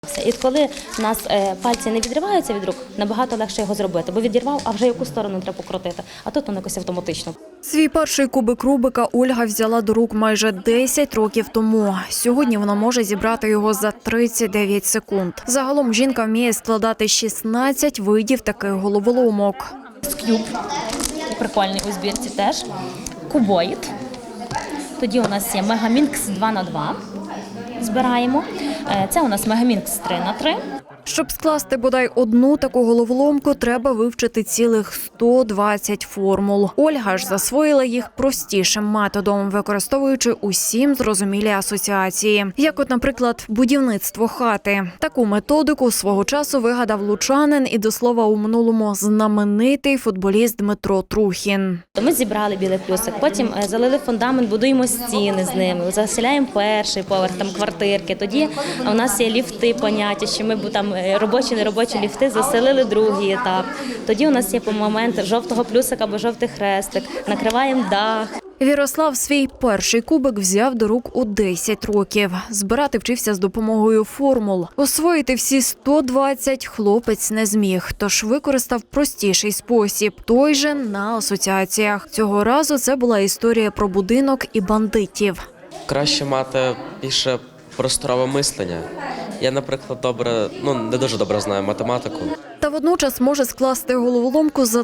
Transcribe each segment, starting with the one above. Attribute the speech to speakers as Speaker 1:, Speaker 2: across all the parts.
Speaker 1: І коли у нас пальці не відриваються від рук, набагато легше його зробити, бо відірвав, а вже яку сторону треба покрутити, а тут воно якось автоматично.
Speaker 2: Свій перший кубик Рубика Ольга взяла до рук майже 10 років тому. Сьогодні вона може зібрати його за 39 секунд. Загалом жінка вміє складати 16 видів таких головоломок.
Speaker 1: Скюб, прикольний у збірці теж, кубоїд, тоді у нас є Мегамінкс 2х2, збираємо, це у нас Мегамінкс 3х3.
Speaker 2: Щоб скласти бодай одну таку головоломку, треба вивчити цілих 120 формул. Ольга ж засвоїла їх простішим методом, використовуючи усім зрозумілі асоціації. Як от, наприклад, будівництво хати. Таку методику свого часу вигадав лучанин і, до слова, у минулому знаменитий футболіст Дмитро Трухін.
Speaker 1: Ми зібрали білий плюсик, потім залили фундамент, будуємо стіни з ними, заселяємо перший поверх, там квартирки. Тоді у нас є ліфти, поняття, що ми там робочі, неробочі ліфти заселили другий етап. Тоді у нас є момент жовтого плюсика або жовтий хрестик, накриваємо дах.
Speaker 2: Вірослав свій перший кубик взяв до рук у 10 років. Збирати вчився з допомогою формул. Освоїти всі 120 хлопець не зміг, тож використав простіший спосіб – той же на асоціаціях. Цього разу це була історія про будинок і бандитів.
Speaker 3: Краще мати більше просторове мислення. Я, наприклад, не дуже добре знаю математику.
Speaker 2: Та водночас може скласти головоломку за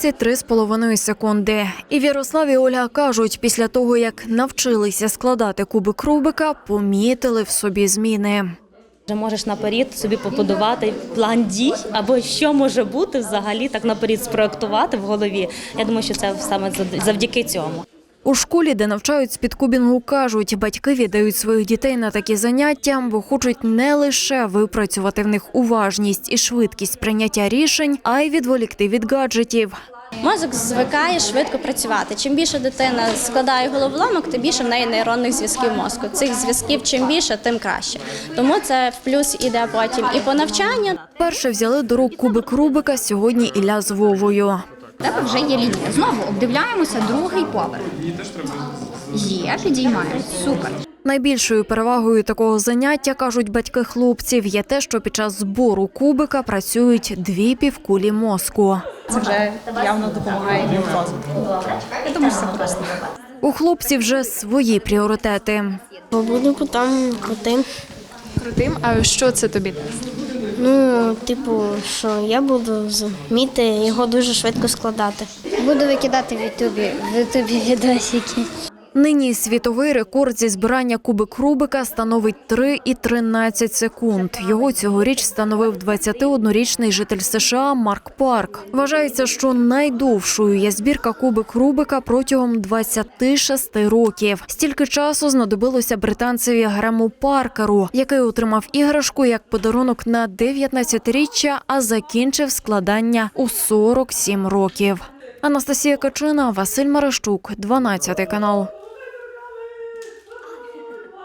Speaker 2: 33,5 секунди. І Вірослав і Ольга кажуть, після того, як навчилися складати кубик Рубика, помітили в собі зміни.
Speaker 1: Вже можеш наперед собі побудувати план дій, або що може бути взагалі, так наперед спроектувати в голові. Я думаю, що це саме завдяки цьому.
Speaker 2: У школі, де навчають спідкубінгу, кажуть, батьки віддають своїх дітей на такі заняття, бо хочуть не лише випрацювати в них уважність і швидкість прийняття рішень, а й відволікти від гаджетів.
Speaker 4: Мозок звикає швидко працювати. Чим більше дитина складає головоломок, тим більше в неї нейронних зв'язків мозку. Цих зв'язків чим більше, тим краще. Тому це в плюс іде потім і по навчанню.
Speaker 2: Перше взяли до рук кубик Рубика сьогодні Ілля з Вовою.
Speaker 5: У тебе вже є лінія. Знову обдивляємося другий поверх. Є, підіймаємо. Супер.
Speaker 2: Найбільшою перевагою такого заняття, кажуть батьки хлопців, є те, що під час збору кубика працюють дві півкулі мозку.
Speaker 6: Це вже явно допомагає їм в розвитку. Я думаю, що це просто.
Speaker 2: У хлопців вже свої пріоритети.
Speaker 7: Буду там крутим.
Speaker 6: Крутим, а що це тобі?
Speaker 7: Що я буду вміти його дуже швидко складати.
Speaker 8: Буду викидати в Ютубі відосики.
Speaker 2: Нині світовий рекорд зі збирання кубик Рубика становить 3,13 секунд. Його цьогоріч встановив 21-річний житель США Марк Парк. Вважається, що найдовшою є збірка кубик Рубика протягом 26 років. Стільки часу знадобилося британцеві Грему Паркеру, який отримав іграшку як подарунок на 19-річчя, а закінчив складання у 47 років. Анастасія Качина, Василь Марищук, 12 канал.